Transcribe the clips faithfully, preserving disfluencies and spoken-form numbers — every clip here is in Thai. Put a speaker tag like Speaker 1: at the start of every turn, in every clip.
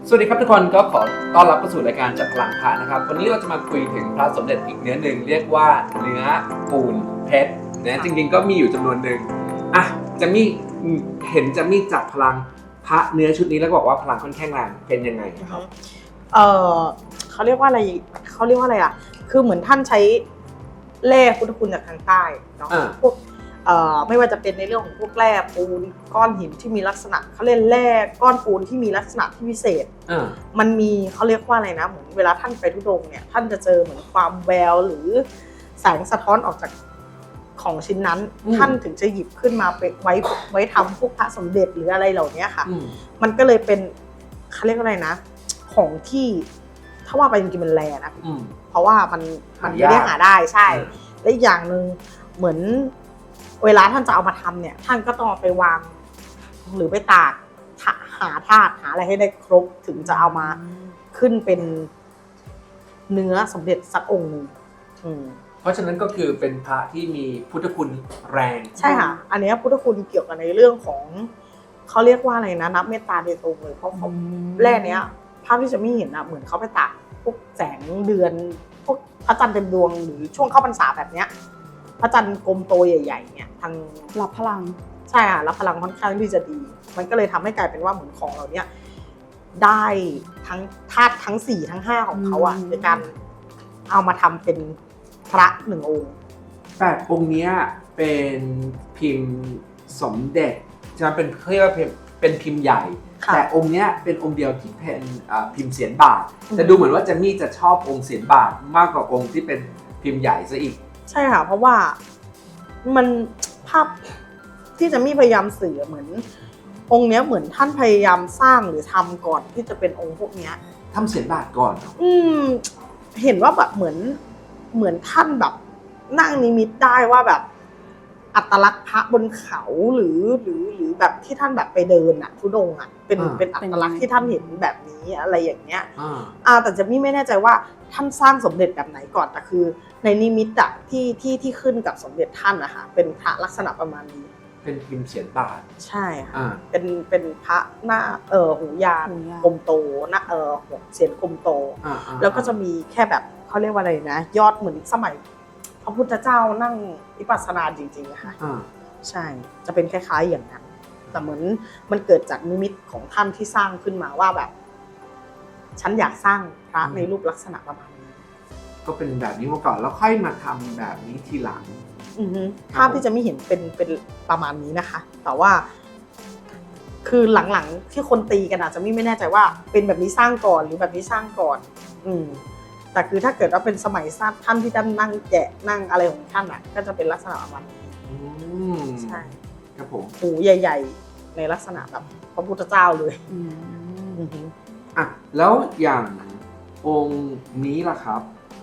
Speaker 1: สวัสดีครับทุกคนก็ขอต้อนรับเข้าสู่รายการจัดพลังพระนะครับวันนี้เราจะมาคุยถึงพระสมเด็จอีกเนื้อหนึ่งเรียกว่าเนื้อปูนเพชรนะจริงๆก็มีอยู่จำนวนหนึ่งอ่ะจะมีเห็นจะมีจัดพลังพระเนื้อชุดนี้แล้วบอกว่าพลังค่อนข้างแรงเป็นยังไงครับ
Speaker 2: เออเขาเรียกว่าอะไรเขาเรียกว่าอะไรอ่ะคือเหมือนท่านใช้แร่พุทธคุณจากทางใต้เนาะพวกเอ่อไม่ว่าจะเป็นในเรื่องของพวกแร่ปูนก้อนหินที่มีลักษณะเขาเรียกแร่ก้อนปูนที่มีลักษณะที่พิเศษมันมีเขาเรียกว่าอะไรนะเหมือนเวลาท่านไปทุดงเนี่ยท่านจะเจอเหมือนความแววหรือแสงสะท้อนออกจากของชิ้นนั้นท่านถึงจะหยิบขึ้นมาไปไว้ไว้ทำพวกพระสมเด็จหรืออะไรเหล่านี้ค่ะมันก็เลยเป็นเขาเรียกว่าอะไรนะของที่ถ้าว่าไปจริงๆมันแรงนะเพราะว่ามันมันไม่ได้หาได้ใช่และอีกอย่างหนึ่งเหมือนเวลาท่านจะเอามาทำเนี่ยท่านก็ต้องไปวางหรือไปตากหาธาตุหาอะไรให้ได้ครบถึงจะเอามาขึ้นเป็นเนื้อสมเด็จสักองค์นึง
Speaker 1: เพราะฉะนั้นก็คือเป็นพระที่มีพุทธคุณแรง
Speaker 2: ใช่ค่ะอันนี้พุทธคุณเกี่ยวกับในเรื่องของเขาเรียกว่าอะไรนะนับเมตตาโดยตรงเลยเพราะเขาแร่เนี้ยภาพที่จะไม่เห็นอะเหมือนเขาไปตากพวกแสงเดือนพวกพระจันทร์เต็มดวงหรือช่วงเข้าพรรษาแบบเนี้ยพระจันทร์กลมโตใหญ่ๆเนี่ยทาง
Speaker 3: รับพลัง
Speaker 2: ใช่ค่ะรับพลังค่อนข้างที่จะดีมันก็เลยทำให้กลายเป็นว่าเหมือนของเราเนี่ยได้ทั้งธาตุทั้งสี่ทั้งห้าของเขาอะในการเอามาทำเป็นพระหนึ่งองค์
Speaker 1: แปดองค์นี้เป็นพิมพ์สมเด็จจะเป็นเรียกว่าเป็นพิมพ์ใหญ่แต่องค์นี้เป็นองค์เดียวที่เป็นพิมพ์เสียนบาทแต่ดูเหมือนว่าจะมี่จะชอบองค์เสียนบาทมากกว่าองค์ที่เป็นพิมพ์ใหญ่ซะอีก
Speaker 2: ใช่ค่ะเพราะว่ามันภาพที่จะมีพยายามสื่อเหมือนองค์เนี้ยเหมือนท่านพยายามสร้างหรือทำก่อนที่จะเป็นองค์พวกเนี้ย
Speaker 1: ทำเสียนบาทก่อน
Speaker 2: อืมเห็นว่าแบบเหมือนเหมือนท่านแบบนั่งนิมิตได้ว่าแบบอัตลักษณ์พระบนเขาหรือหรือหรือแบบที่ท่านแบบไปเดินอะทุดงอะเป็นเป็นอัตลักษณ์ที่ท่านเห็นแบบนี้อะไรอย่างเงี้ยอ่าแต่จะไม่ไม่แน่ใจว่าท่านสร้างสมเด็จแบบไหนก่อนแต่คือในนิมิตอะที่ที่ที่ขึ้นกับสมเด็จท่านนะคะเป็นพระลักษณะประมาณนี้
Speaker 1: เป็นพิมพ์เสียนบาท
Speaker 2: ใช่ค่ะเป็นเป็นพระหน้าเออหูยานกลมโตหน้าเออหัวเสียนกลมโตแล้วก็จะมีแค่แบบเขาเรียกว่าอะไรนะยอดเหมือนสมัยพระพุทธเจ้านั่งวิปัสสนาจริงๆค่ะใช่จะเป็นคล้ายๆอย่างนั้นแต่เหมือนมันเกิดจากนิมิตของท่านที่สร้างขึ้นมาว่าแบบฉันอยากสร้างพระในรูปลักษณะประมาณนี้
Speaker 1: ก็เป็นแบบนี้มาก่อนแล้วค่อยมาทำแบบนี้ทีหลัง
Speaker 2: ภาพที่จะไม่เห็นเป็นเป็นประมาณนี้นะคะแต่ว่าคือหลังๆที่คนตีกันอาจจะไม่ไม่แน่ใจว่าเป็นแบบนี้สร้างก่อนหรือแบบนี้สร้างก่อนอืมแต่คือถ้าเกิดว่าเป็นสมัยสร้างท่านที่ท่านนั่งแกะนั่งอะไรของท่านอ่ะก็จะเป็นลักษณะประมาณนี้ใช่
Speaker 1: ครับผม
Speaker 2: หูใหญ่ๆในลักษณะแบบพระพุทธเจ้าเลย
Speaker 1: อ่ะแล้วอย่างองค์นี้ล่ะครับ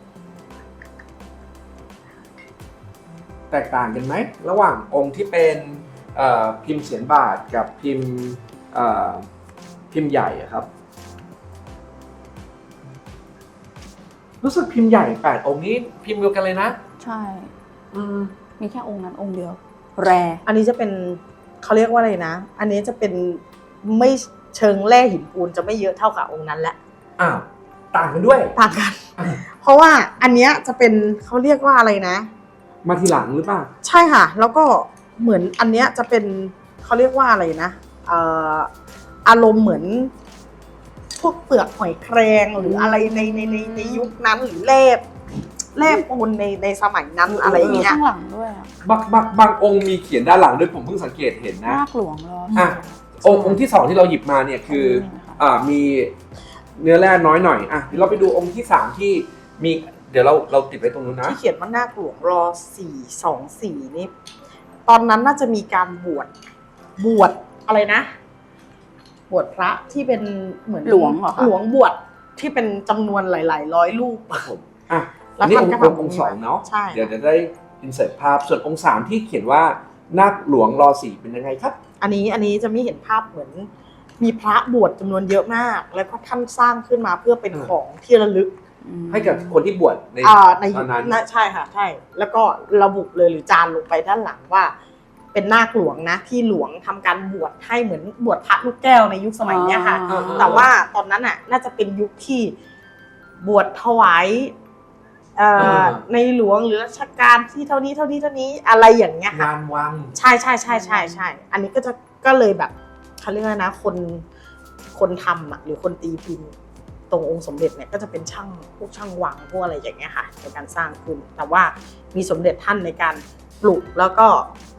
Speaker 1: แตกต่างกันไหมระหว่างองค์ที่เป็นพิมพ์เสียนบาทกับพิมพ์พิมพ์ใหญ่ครับรู้สึกพิมพ์ใหญ่แปดองค์นี้พิมพ์เดียวกันเลยนะ
Speaker 3: ใช่มีแค่องค์นั้นองค์เดียวแร
Speaker 2: อันนี้จะเป็นเขาเรียกว่าอะไรนะอันนี้จะเป็นไม่เชิงแร่หินปูนจะไม่เยอะเท่ากับองค์นั้นแหละ
Speaker 1: อ้าวต่างกันด้วย
Speaker 2: ต่างกันเพราะว่าอันเนี้ยจะเป็นเขาเรียกว่าอะไรนะ
Speaker 1: มาทีหลังหรือเปล่า
Speaker 2: ใช่ค่ะแล้วก็เหมือนอันเนี้ยจะเป็นเขาเรียกว่าอะไรนะเอ่ออารมณ์เหมือนพวกเปลือกหอยแครงหรืออะไรในในในในยุคนั้นหรือแร่แร่ปูนในในสมัยนั้นอะไรอย่างเงี้ย
Speaker 3: ข้างหลังด้วย
Speaker 1: บางบางบางองค์มีเขียนด้านหลังด้วยผมเพิ่งสังเกตเห็นนะ
Speaker 3: นาคหลวงรอ
Speaker 1: อ่ะองค์องค์ที่สองที่เราหยิบมาเนี่ยคืออ่ามีเนื้อแร่น้อยหน่อยอ่ะเดี๋ยวเราไปดูองค์ที่สามที่มีเดี๋ยวเราเราติดไว้ตรงนู้นนะ
Speaker 2: ที่เขียนว่านาคหลวงรอสี่สองสี่นี่ตอนนั้นน่าจะมีการบวชบวชอะไรนะบวชพระที่เป็นเหมือน
Speaker 3: หลวงเหรอคะ
Speaker 2: หลวงบวชที่เป็นจำนวนหลายๆร้อยรูป
Speaker 1: ผมอ่ะแล้วนี่องค์องค์สองเนาะเดี๋ยวจะได้อินเสิร์ตภาพส่วนองค์สามที่เขียนว่านาคหลวงรอสี่เป็นยังไงครับ
Speaker 2: อันนี้อันนี้จะไม่เห็นภาพเหมือนมีพระบวชจำนวนเยอะมากแล้วก็ท่านสร้างขึ้นมาเพื่อเป็นของที่ระลึก
Speaker 1: ให้กับคนที่บวชใน
Speaker 2: ตอนนั้นใช่ค่ะใช่แล้วก็ระบุเลยหรือจานลงไปด้านหลังว่าเป็นนาคหลวงนะที่หลวงทำการบวชให้เหมือนบวชพระลูกแก้วในยุคสมัยเนี้ยค่ะ
Speaker 3: อ๋อ
Speaker 2: แต่ว่าตอนนั้นน่ะน่าจะเป็นยุคที่บวชถวายเอ่อในหลวงหรือรัชกาลที่เท่านี้เท่านี้เท่านี้อะไรอย่างเงี้ยค่ะ
Speaker 1: งานวัง
Speaker 2: ใช่ใช่ใช่ใช่ใช่อันนี้ก็จะก็เลยแบบเขาเรียกว่านะคนคนทำอ่ะหรือคนตีพิมพ์ตรงองค์สมเด็จเนี่ยก็จะเป็นช่างพวกช่างวังพวกอะไรอย่างเงี้ยค่ะในการสร้างขึ้นแต่ว่ามีสมเด็จท่านในการปลุกแล้วก็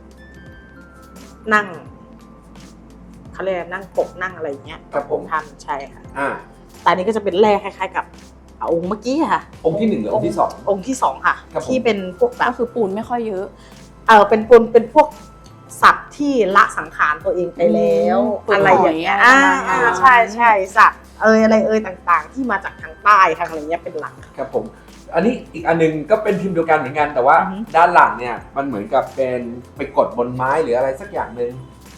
Speaker 2: นั่งเขาเรียกนั่งปกนั่งอะไรอย่างเงี้ย
Speaker 1: ครับผม
Speaker 2: ท่านใช่ค่ะ
Speaker 1: อ่า
Speaker 2: แต่อันนี้ก็จะเป็นแร่คล้ายๆกับองค์เมื่อกี้ค่ะ
Speaker 1: องค์ที่หนึ่งหรือองค์ที่สอง
Speaker 2: องค์ที่สองค่ะ
Speaker 1: ครับผม
Speaker 2: ที่เป็นพวกแบ
Speaker 3: ก็
Speaker 2: บ
Speaker 3: คือปูนไม่ค่อยเยอะ
Speaker 2: เออเป็นปูนเป็นพวกสัตว์ที่ละสังขารตัวเองไปแล้ว
Speaker 3: อืม
Speaker 2: อะไรอย่างเงี้ย
Speaker 3: ปลดปล่
Speaker 2: อ่า
Speaker 3: อยอะไรประมาณนั้น
Speaker 2: อ่าใช่ใช่สัตว์เอยอะไรเอยต่างๆ ที่มาจากทางใต้ทางอะไรเงี้ยเป็นหลัก
Speaker 1: ครับผม อันนี้อีกอันนึงก็เป็นพิมพ์เดียวกันเหมือนกันแต่ว่า
Speaker 2: อือฮึ
Speaker 1: ด้านหลังเนี่ยมันเหมือนกับเป็นไปกดบนไม้หรืออะไรสักอย่างหนึ่ง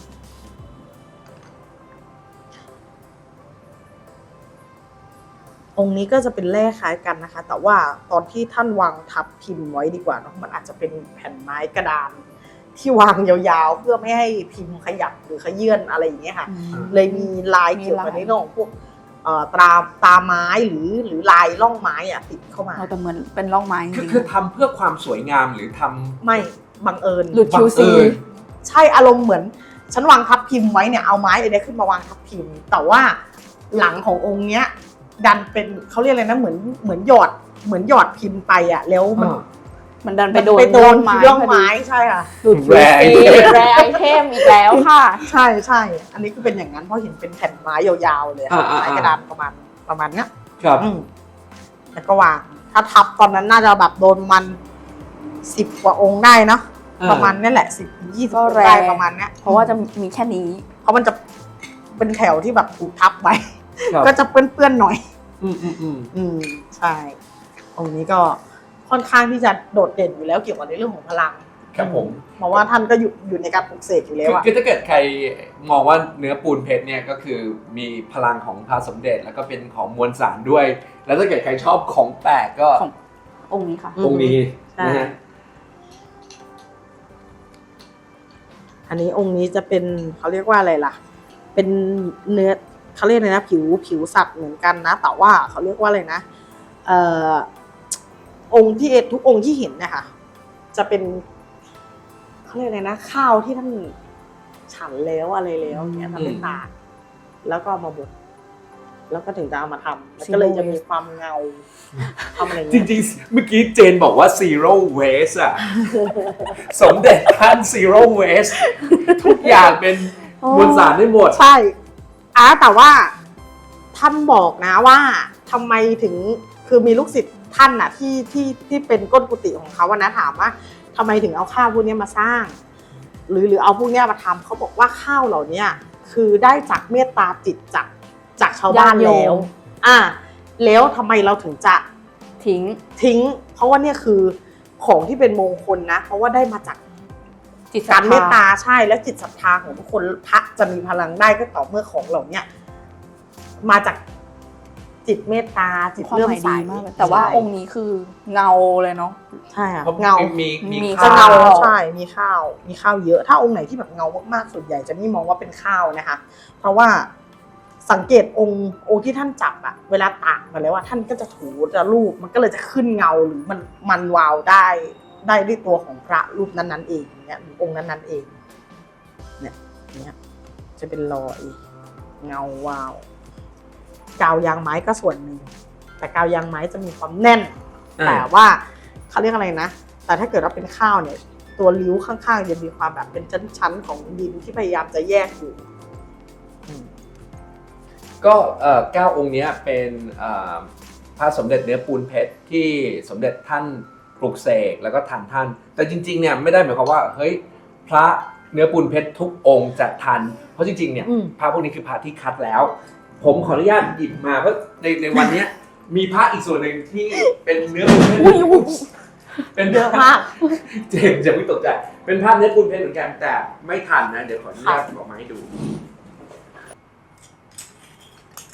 Speaker 2: องค์นี้ก็จะเป็นแร่คล้ายกันนะคะ แต่ว่าตอนที่ท่านวางทับพิมพ์ไว้ดีกว่าเนาะมันอาจจะเป็นแผ่นไม้กระดานที่วางยาวๆ เพื่อไม่ให้พิมพ์ขยับหรือขยื่นอะไรอย่างเงี้ยค่ะ เลยมีลายเกี่ยวกับในเรื่องของพวกเอ่อตราตาไม้หรือหรือลายร่องไม้อะติดเข้ามา
Speaker 3: เราแต่เหมือนเป็นร่องไม้จ
Speaker 1: คือ
Speaker 3: ริง
Speaker 1: คือทำเพื่อความสวยงามหรือทำ
Speaker 2: ไม่บังเอิญ
Speaker 3: ๆหลุด
Speaker 1: บั
Speaker 3: คิ
Speaker 1: ง
Speaker 3: ว
Speaker 1: เอิ
Speaker 3: ซี
Speaker 1: ญ
Speaker 2: ใช่อารมณ์เหมือนฉันวางทับพิมพ์ไว้เนี่ยเอาไม้อะไรขึ้นมาวางทับพิมพ์ แต่ว่าหลังขององค์เนี้ย ดันเป็นเขาเรียกอะไรนะเหมือนเหมือนหยอดเหมือนหยอดพิมพ์ไปอะแล้วมัน
Speaker 1: อ่า
Speaker 3: มันดันไปโดน
Speaker 2: ไปโดน
Speaker 3: ไม้
Speaker 2: ร่อง
Speaker 3: พอดี
Speaker 2: ไม้ใช่ค่ะ
Speaker 3: หลุดคิว
Speaker 1: แร
Speaker 3: ซี
Speaker 1: ไอเทม
Speaker 3: แรไอเทมอีกแล้วค่ะ
Speaker 2: ใช่ใช่อันนี้ก็เป็นอย่างนั้นเพราะเห็นเป็นแผ่นไม้ยาวๆเลย
Speaker 1: อ่าอ่า
Speaker 2: ไม้กระดานประมาณประมาณเนี้ย
Speaker 1: ครับ
Speaker 2: อืมแล้วก็วางถ้าทับตอนนั้นน่าจะแบบโดนมันสิบกว่าองค์ได้เนาะ
Speaker 1: อ่า
Speaker 2: ประมาณนี้แหละสิบยี่สิบ
Speaker 3: ก็
Speaker 2: องค์
Speaker 3: แรง
Speaker 2: ได้ประมาณเนี้ย
Speaker 3: เพราะว่าจะมีแค่นี้
Speaker 2: เพราะมันจะเป็นแถวที่แบบถูกทับไว้
Speaker 1: ครับ
Speaker 2: ก็จะเปื้อนๆหน่อย
Speaker 1: อืมอืมอืม
Speaker 2: อืมใช่องค์นี้ก็ค่อนข้างที่จะโดดเด่นอยู่แล้วเกี่ยวกับในเรื่องของพลัง
Speaker 1: ครับผม
Speaker 2: เพราะว่าท่านก็อยู่อยู่ในการปลุกเสกอยู่แล้ว
Speaker 1: คือ
Speaker 2: อะ
Speaker 1: คือถ้าเกิดใครมองว่าเนื้อปูนเพชรเนี่ยก็คือมีพลังของพระสมเด็จแล้วก็เป็นของมวลสารด้วย แล้วถ้าเกิดใครชอบของแปลกก็
Speaker 3: ของ องค์นี้ค่ะ
Speaker 1: ตรงนี้
Speaker 2: ใช่
Speaker 1: นะฮะ
Speaker 2: อันนี้องค์นี้จะเป็นเขาเรียกว่าอะไรล่ะ เป็นเนื้อเขาเรียกอะไรนะผิวผิวสัตว์เหมือนกันนะ แต่ว่าเขาเรียกว่าอะไรนะเอ่อองค์ที่เอทุกองค์ที่เห็นเนะคะจะเป็นเขาเรียกอะไรนะข้าวที่ท่านฉันแล้วอะไรแล้วเนี่ยทำเป็นตากแล้วก็เอามาบดแล้วก็ถึงจะเอามาทำแล้วก็เลยจะมีความเงาทำอะไร
Speaker 1: จ
Speaker 2: เงี้ย
Speaker 1: ริงๆ เมื่อกี้เจนบอกว่า zero waste อะ สมเด็จท่าน zero waste ทุกอย่างเป็นมวลสารได้หมด
Speaker 2: ใช่อ่ะแต่ว่าท่านบอกนะว่าทำไมถึงคือมีลูกศิษย์ท่านน่ะที่ที่ที่เป็นก้นกุฏิของเขาอะนะถามว่าทำไมถึงเอาข้าวพวกเนี้ยมาสร้าง หรือหรือเอาพวกเนี้ยมาทำเขาบอกว่าข้าวเหล่าเนี้ยคือได้จากเมตตาจิตจากจากชาวบ้าน
Speaker 3: ญาติโยม
Speaker 2: แล้วอ่ะแล้วทำไมเราถึงจะ
Speaker 3: ทิ้ง
Speaker 2: ทิ้ง เพราะว่าเนี่ยคือของที่เป็นมงคลนะ เพราะว่าได้มาจาก
Speaker 3: จิต
Speaker 2: การเมตตา
Speaker 3: ศรัทธ
Speaker 2: ใช่และจิตศรัทธาของทุกคนพระจะมีพลังได้ก็ต่อเมื่อของเหล่าเนี้ยมาจากจิตเมตตาจิต
Speaker 3: ความ
Speaker 2: เลื่อ
Speaker 3: ห
Speaker 2: ม
Speaker 3: มาย
Speaker 2: ใส
Speaker 3: ดีมากเลยแต่ว่า
Speaker 2: ใช่
Speaker 3: องค์นี้คือเงาเลยเนาะ
Speaker 2: ใช่ค่ะ
Speaker 1: เพราะ
Speaker 2: เงา
Speaker 1: มีมี
Speaker 3: มี
Speaker 2: จะ
Speaker 1: ข้า
Speaker 2: เงาว ใช่มีข้าวมีข้าวเยอะ ถ้าองค์ไหนที่แบบเงามากๆส่วนใหญ่จะไม่มองว่าเป็นข้าวนะคะ เพราะว่าสังเกตองค์องค์ที่ท่านจับอะเวลาตากมาแล้วว่าท่านก็จะถูจะรูปมันก็เลยจะขึ้นเงาหรือมันมันวาวได้ได้ด้วยตัวของพระรูปนั้นๆเองเนี่ยหรือองค์นั้นๆเอง เนี่ยเนี่ยจะเป็นรอยเงาวาว กาวยางไม้ก็ส่วนหนึ่งแต่กาวยางไม้จะมีความแน่น
Speaker 1: อ่า
Speaker 2: แต่ว่าเขาเรียกอะไรนะแต่ถ้าเกิดว่าเป็นข้าวเนี่ย ตัวริ้วข้างๆจะมีความแบบเป็นชั้นๆของดินที่พยายามจะแยกอยู่อืม
Speaker 1: ก็เอ่อเก้าองค์เนี้ยเป็นเอ่อพระสมเด็จเนื้อปูนเพชรที่สมเด็จท่านปลุกเสกแล้วก็ทันท่าน แต่จริงๆเนี่ยไม่ได้หมายความว่าเฮ้ยพระเนื้อปูนเพชรทุกองค์จะทัน เพราะจริงๆเนี่ย
Speaker 2: อืม
Speaker 1: พระพวกนี้คือพระที่คัดแล้ว ผมขออนุญาตหยิบมาเพราะในในวันเนี้ยมีพระอีกส่วนหนึ่งที่เป็นเนื้อปูนเพชร
Speaker 3: อุ้ยอุ้ย
Speaker 1: เป็น
Speaker 2: เยอะมาก
Speaker 1: เจมส์จะไม่ตกใจเป็นภาพเนื้อปูนเพชรเหมือนกันแต่ไม่ทันนะเดี๋ยวขออนุญาตออกมาให้ดู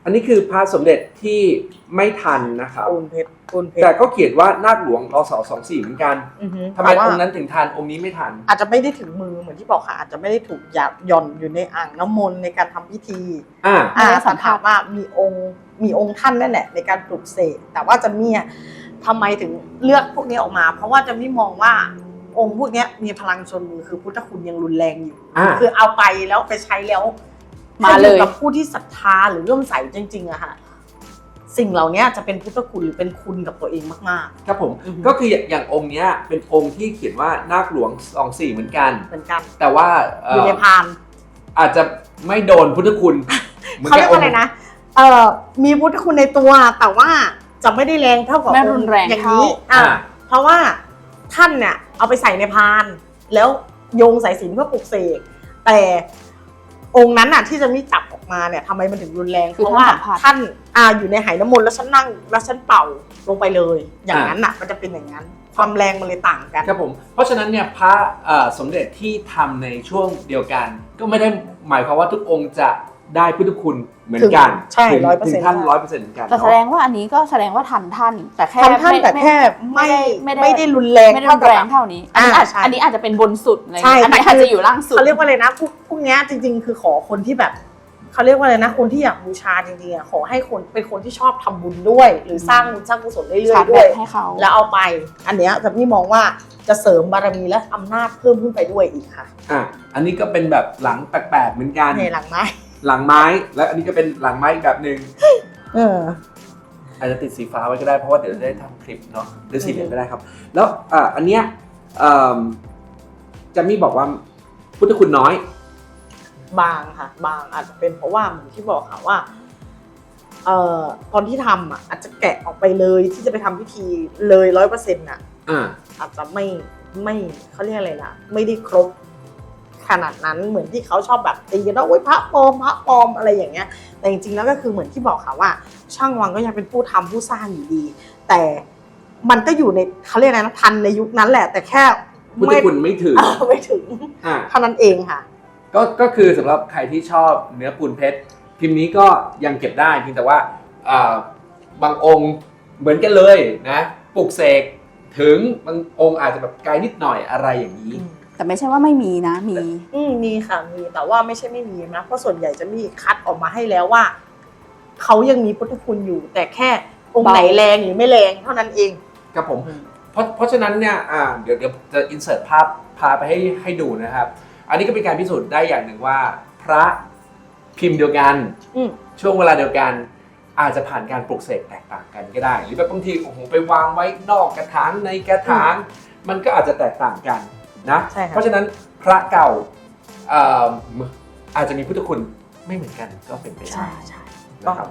Speaker 1: อันนี้คือพระสมเด็จที่ไม่ทันนะครับ
Speaker 2: ปูนเพชรปูนเพช
Speaker 1: แต่
Speaker 2: ร
Speaker 1: ก็เขียนว่านาคหลวงรศสองสี่เหมือนกัน
Speaker 2: อือฮึ
Speaker 1: ทำไม
Speaker 2: แต่ว่า
Speaker 1: องค์นั้นถึงทันองค์นี้ไม่ทัน
Speaker 2: อาจจะไม่ได้ถึงมือเหมือนที่บอกค่ะอาจจะไม่ได้ถูกหยาบหย่อนอยู่ในอ่างน้ำมนต์ในการทำพิธี
Speaker 1: อ่า
Speaker 2: อ่าสันถามว่ามีองค์มีองค์ท่านนั่นแหละในการปลุกเสกแต่ว่าจะมีอ่ะทำไมถึงเลือกพวกนี้ออกมา เพราะว่าจะไม่มองว่าองค์พวกนี้มีพลังชนมือคือพุทธคุณยังรุนแรงอยู่
Speaker 1: อ่า
Speaker 2: คือเอาไปแล้วไปใช้แล้ว
Speaker 3: มาเลย
Speaker 2: ถ้อกับผู้ที่ศรัทธาหรือเริ่อมใสจริงๆอะค่ะสิ่งเหล่านี้จะเป็นพุทธคุณหรือเป็นคุณกับตัวเองมาก
Speaker 1: ครับผม
Speaker 2: อือฮึ
Speaker 1: ก็คืออย่างองค์เนี้ยเป็นองค์ที่เขียนว่านาคหลวงสองสี่เหมือนกัน
Speaker 2: ๆเหมือนกัน
Speaker 1: แต่ว่าเ
Speaker 2: อยู่ในพาน
Speaker 1: อาจจะไม่โดนพุทธคุณหมือน
Speaker 2: เขาเรียก
Speaker 1: บ
Speaker 2: ว่าอะไรนะเอ่อมีพุทธคุณในตัวแต่ว่าจะไม่ได้แรงเท่ากับ
Speaker 3: ไม่รุนแรง
Speaker 2: อย่างนี้
Speaker 3: เท่า
Speaker 2: อ่ะเพราะว่าท่านเนี่ยเอาไปใส่ในพาน แล้วโยงสายสิญจน์เพื่อปลุกเสกแต่องค์นั้นน่ะที่จะมีจับออกมาเนี่ยทำไมมันถึงรุนแรง
Speaker 3: คือ
Speaker 2: เพราะว่า
Speaker 3: ท่านสัมผัส
Speaker 2: ท่านอ่าอยู่ในไหน้ำมนต์แล้วฉันนั่งแล้วฉันเป่าลงไปเลย อย่างนั้นน่ะมันจะเป็นอย่างนั้น ความแรงมันเลยต่างกัน
Speaker 1: ครับผมเพราะฉะนั้นเนี่ยพระเอ่อสมเด็จที่ทำในช่วงเดียวกัน ก็ไม่ได้หมายความว่าทุกองค์จะได้พุทธคุณเหมือนกัน
Speaker 2: ถึงใช่
Speaker 1: ถึง
Speaker 2: ร้อยเปอร์
Speaker 1: ถึ
Speaker 2: เซ็น
Speaker 1: ง
Speaker 2: ต์
Speaker 1: ท่านร้อยเปอร์เซ็นต์เหมือนกัน
Speaker 3: แต่แส
Speaker 1: เนาะ
Speaker 3: ดงว่าอันนี้ก็แสดงว่าทันท่าน แต่แค่
Speaker 2: ทันท่านแต่แค่ไม่
Speaker 3: ไม่ได้
Speaker 2: ไม่ได้รุนแรง
Speaker 3: ไม่ได้รุนแรงเท่านี้ อันนี้อาจ
Speaker 2: อ่าใช่
Speaker 3: อันนี้อาจจะเป็นบนสุดอะไร
Speaker 2: ใช่
Speaker 3: เงี้ยอันนี้
Speaker 2: แต่คือ
Speaker 3: อาจจะอยู่ล่างสุด
Speaker 2: เขาเรียกว่าอะไรนะพวกพวกเนี้ยจริงๆ คือขอคนที่แบบเขาเรียกว่าอะไรนะคนที่อยากบูชาจริงๆอ่ะขอให้คนเป็นคนที่ชอบทำบุญด้วย หรือสร้างบุญสร้างกุศลเรื่
Speaker 3: ชา
Speaker 2: อย
Speaker 3: ร์จ
Speaker 2: ๆ
Speaker 3: แบ
Speaker 2: ด้วย
Speaker 3: ตให้เขา
Speaker 2: แล้วเอาไป อันเนี้ยแต่พี่มองว่าจะเสริมบารมีและอำนาจเพิ่มขึ้นไปด้วยอีกค่ะ
Speaker 1: อ่ะอันนี้ก็เป็นแบบหลังแปลกๆเหมือนกัน
Speaker 2: ในหลังไม้
Speaker 1: หลังไม้และอันนี้ก็เป็นหลังไม้อีกแบบหนึ่ง
Speaker 2: เออ
Speaker 1: อาจจะติดสีฟ้าไว้ก็ได้เพราะว่าเดี๋ยวจะได้ทำคลิปเนาะหรือสีเหลืองก็ได้ครับ แล้วอ่ะอันเนี้ยเอิ่มจะมีบอกว่าพุทธคุณน้อย
Speaker 2: บางค่ะบางอาจจะเป็นเพราะว่าเหมือนที่บอกค่ะว่าเอ่อตอนที่ทำอ่ะอาจจะแกะออกไปเลยที่จะไปทำพิธีเลยร้อยเปอร์เซ็นต์อ่ะ
Speaker 1: อ่า
Speaker 2: อาจจะไม่ไม่เขาเรียกอะไรนะไม่ได้ครบขนาดนั้นเหมือนที่เขาชอบแบบตีกันว่าโอ๊ยพระปลอมพระปลอมอะไรอย่างเงี้ย แต่จริงๆแล้วก็คือเหมือนที่บอกค่ะว่า ช่างวังก็ยังเป็นผู้ทำผู้สร้างอยู่ดี แต่มันก็อยู่ในเขาเรียกอะไรนะทันในยุคนั้นแหละ แต่แค่
Speaker 1: พุทธคุณไม่ถึง
Speaker 2: เออไม่ถึง
Speaker 1: อ่า
Speaker 2: เท่านั้นเองค่ะ
Speaker 1: ก็ก็คือสำหรับใครที่ชอบเนื้อปูนเพชรพิมพ์นี้ก็ยังเก็บได้เพียงแต่ว่าอ่าบางองค์เหมือนกันเลยนะปลุกเสกถึงบางองค์อาจจะแบบไกลนิดหน่อยอะไรอย่างนี้
Speaker 3: แต่ไม่ใช่ว่าไม่มีนะ มี
Speaker 2: อืมมีค่ะมีแต่ว่าไม่ใช่ไม่มีนะเพราะส่วนใหญ่จะมีคัดออกมาให้แล้วว่าเขายังมีพุทธคุณอยู่ แต่แค่องค์ไหนแรงหรือไม่แรงเท่านั้นเอง
Speaker 1: ครับผมเพราะเพราะฉะนั้นเนี่ยอ่าเดี๋ยวเดี๋ยวจะอินเสิร์ตภาพพาไปให้ให้ดูนะครับ อันนี้ก็เป็นการพิสูจน์ได้อย่างหนึ่งว่า พระพิมพ์เดียวกัน
Speaker 2: อืม
Speaker 1: ช่วงเวลาเดียวกัน อาจจะผ่านการปลุกเสกแตกต่างกันก็ได้ หรือแบบบางทีโอ้โหไปวางไว้นอกกระถางในกระถาง มันก็อาจจะแตกต่างกันนะ
Speaker 2: ใช่ค่ะ
Speaker 1: เพราะฉะนั้นพระเก่าเอ่ออาจจะมีพุทธคุณไม่เหมือนกันก็เป็นไปได้
Speaker 2: ใช่ใช่
Speaker 1: นะครับ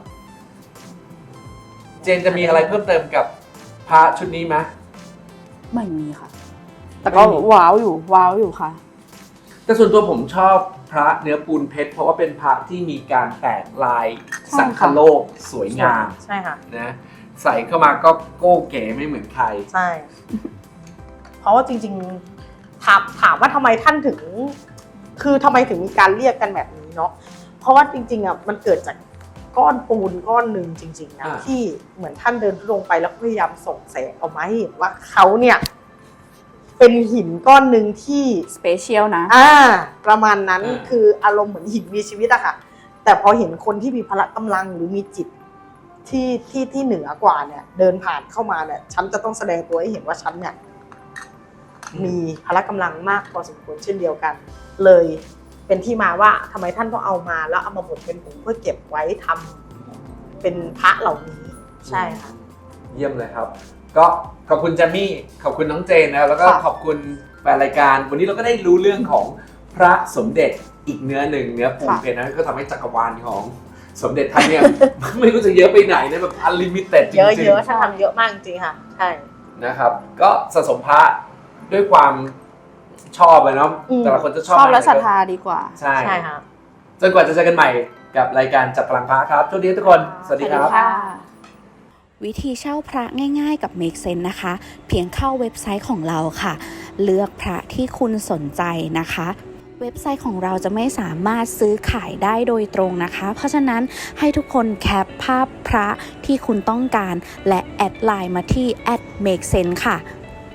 Speaker 1: เจนจะมีอะไรเพิ่มเติมกับพระชุดนี้ไหม
Speaker 3: ไม่มีค่ะ แต่ก็ว้าวอยู่ ว้าวอยู่ค่ะ
Speaker 1: แต่ส่วนตัวผมชอบพระเนื้อปูนเพชรเพราะว่าเป็นพระที่มีการแตกลาย
Speaker 3: ใช่
Speaker 1: สังค
Speaker 3: ค่ะ
Speaker 1: โลกสวยงาม
Speaker 2: ใช่ค่ะ
Speaker 1: นะใส่เข้ามาก็โก้เก๋ไม่เหมือนใคร
Speaker 2: ใช่ เพราะว่าจริงๆถามถามว่าทำไมท่านถึง คือทำไมถึงมีการเรียกกันแบบนี้เนาะเพราะว่าจริงๆอ่ะมันเกิดจากก้อนปูนก้อนหนึ่งจริงๆนะ
Speaker 1: อ่า
Speaker 2: ที่เหมือนท่านเดินลงไปแล้วพยายามส่งแสงออกมาให้เห็นว่าเขาเนี่ย เป็นหินก้อนหนึ่งที่
Speaker 3: สเปเชียลนะ
Speaker 2: อ่าประมาณนั้น
Speaker 1: อ่า
Speaker 2: คืออารมณ์เหมือนหินมีชีวิตอะค่ะ แต่พอเห็นคนที่มีพละกำลังหรือมีจิตที่ที่ที่เหนือกว่าเนี่ย เดินผ่านเข้ามาเนี่ยฉันจะต้องแสดงตัวให้เห็นว่าฉันเนี่ยมีพละกำลังมากพอสมควรเช่นเดียวกัน เลยเป็นที่มาว่าทำไมท่านต้องเอามาแล้วเอามาบดเป็นผงเพื่อเก็บไว้ทำเป็นพระเหล่านี้ ใช่ค่ะ
Speaker 1: เยี่ยมเลยครับ ก็ขอบคุณแจมมี่ขอบคุณน้องเจนนะครับแล้วก็
Speaker 3: ค่ะ
Speaker 1: ขอบคุณแฟนรายการ วันนี้เราก็ได้รู้เรื่องของพระสมเด็จอีกเนื้อหนึ่งเนื้อปูนเพชรนะก็ทำให้จักรวาลของสมเด็จท่านเนี่ย ไม่รู้จะเยอะไปไหนนะแบบอันลิมิเต็ดจริง
Speaker 2: เยอะ
Speaker 1: ๆ
Speaker 2: เยอะๆท่านทำเยอะมากจริงๆค่ะ ใช่
Speaker 1: นะครับ ก็สะสมพระด้วยความชอบเลยเนาะ
Speaker 2: อืม
Speaker 1: แต่ละคนจะช
Speaker 3: ช
Speaker 1: อบ
Speaker 3: อบและ
Speaker 1: อะไร
Speaker 3: ศรัท
Speaker 1: ก็
Speaker 3: ธาดีกว่า
Speaker 1: ใช่
Speaker 2: ใช่ค่ะ
Speaker 1: จนกว่าจะเจอกันใหม่กับรายการจับพลังพระครับทุกทีทุกคน สวัสดีครับ
Speaker 4: วิธีเช่าพระง่ายๆกับ Make Sense นะคะ เพียงเข้าเว็บไซต์ของเราค่ะ เลือกพระที่คุณสนใจนะคะเว็บไซต์ของเราจะไม่สามารถซื้อขายได้โดยตรงนะคะ เพราะฉะนั้นให้ทุกคนแคปภาพพระที่คุณต้องการและแอดไลน์มาที่ แอท เมคเซนส์ ค่ะ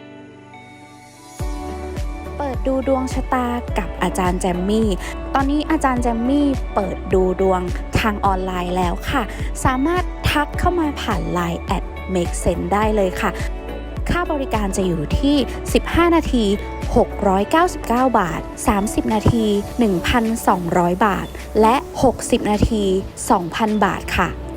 Speaker 4: เปิดดูดวงชะตากับอาจารย์แจมมี่ ตอนนี้อาจารย์แจมมี่เปิดดูดวงทางออนไลน์แล้วค่ะ สามารถทักเข้ามาผ่านไลน์ แอท เมคเซนส์ ได้เลยค่ะ ค่าบริการจะอยู่ที่ สิบห้า นาที หกร้อยเก้าสิบเก้า บาท สามสิบ นาที หนึ่งพันสองร้อย บาท และ หกสิบ นาที สองพัน บาทค่ะ